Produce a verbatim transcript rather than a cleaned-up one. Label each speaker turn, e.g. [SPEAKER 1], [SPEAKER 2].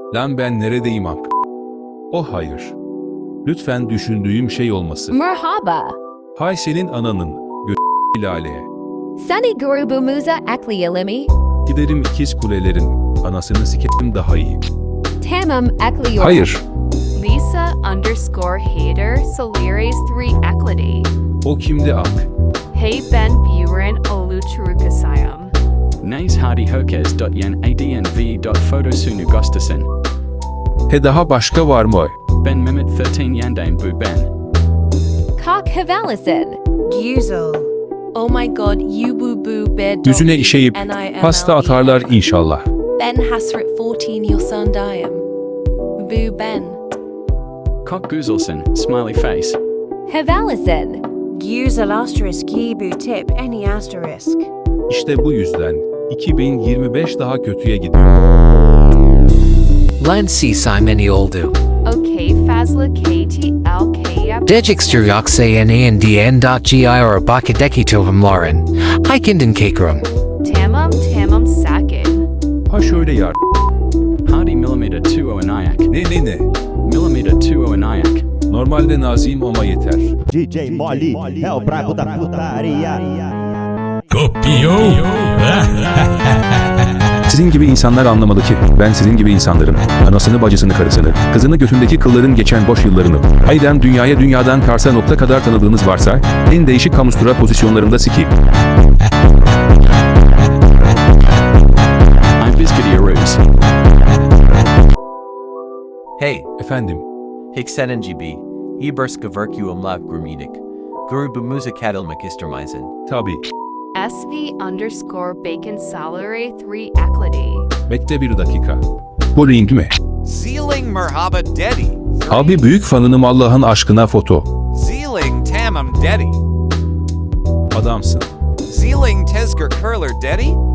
[SPEAKER 1] Lan ben neredeyim ak? Oh hayır. Lütfen düşündüğüm şey olmasın.
[SPEAKER 2] Merhaba.
[SPEAKER 1] Hay senin ananın gö- laleye.
[SPEAKER 2] Seni grubumuza ekleyelim mi?
[SPEAKER 1] Giderim ikiz kulelerin anasını sikerim daha iyi.
[SPEAKER 2] Tamam ekliyorum.
[SPEAKER 1] Hayır.
[SPEAKER 3] Lisa underscore hater Solires three eklidi.
[SPEAKER 1] O kimdi ak?
[SPEAKER 3] Hey Ben Buren Oluchurukasayam.
[SPEAKER 4] Nays Hardy Herkes yen adnv photosunu Gustafsson.
[SPEAKER 1] He daha başka var mı?
[SPEAKER 4] Ben Mehmet thirteen Yandane Bu Ben.
[SPEAKER 2] Kalk havalisin.
[SPEAKER 5] Güzel.
[SPEAKER 6] Oh my god, you boo boo bear dog.
[SPEAKER 1] Yüzüne işeyip pasta atarlar inşallah.
[SPEAKER 6] Ben Hasret fourteen, your son Diam. Boo Ben.
[SPEAKER 4] Cock Guzelson, smiley face.
[SPEAKER 2] Havalisin.
[SPEAKER 5] Güzel asterisk yibu tip any asterisk.
[SPEAKER 1] İşte bu yüzden iki bin yirmi beş daha kötüye gidiyor.
[SPEAKER 7] Lan si simeni oldu.
[SPEAKER 3] Okay, Fazla K T L K F.
[SPEAKER 7] Dejixter yoksaynan dot gir bakadeki tohum lauren. Hikinden kakrum.
[SPEAKER 3] Tamam Tamam Sakin.
[SPEAKER 1] Ha şöyle yar.
[SPEAKER 4] Hardy millimeter two o anayak.
[SPEAKER 1] Ne ne ne?
[SPEAKER 4] Millimeter two o anayak.
[SPEAKER 1] Normalde naziyim ama yeter.
[SPEAKER 8] D J Molly é o brabo da putaria.
[SPEAKER 9] Copiou?
[SPEAKER 1] Sizin gibi insanlar anlamalı ki ben sizin gibi insanların anasını bacısını karısını kızını götündeki kılların geçen boş yıllarını hayden dünyaya dünyadan Kars'a nokta kadar tanıdığınız varsa en değişik kamustura pozisyonlarında sikeyim.
[SPEAKER 4] I'm Bizgidi Aruz.
[SPEAKER 10] Hey,
[SPEAKER 1] Efendim,
[SPEAKER 10] Hiksenin gibi, İbersk Verkuum Lav Grumidik, Grubumuza Kadilmak Istermeisen.
[SPEAKER 1] tabi.
[SPEAKER 3] S V underscore Bacon Salary three eklidi.
[SPEAKER 1] Bekle bir dakika. Bu link mi?
[SPEAKER 11] Zealing Merhaba Dedi.
[SPEAKER 1] Abi büyük fanınım Allah'ın aşkına foto.
[SPEAKER 11] Zealing Tamam Dedi.
[SPEAKER 1] Adamsın.
[SPEAKER 11] Zealing Tezger Curler Dedi.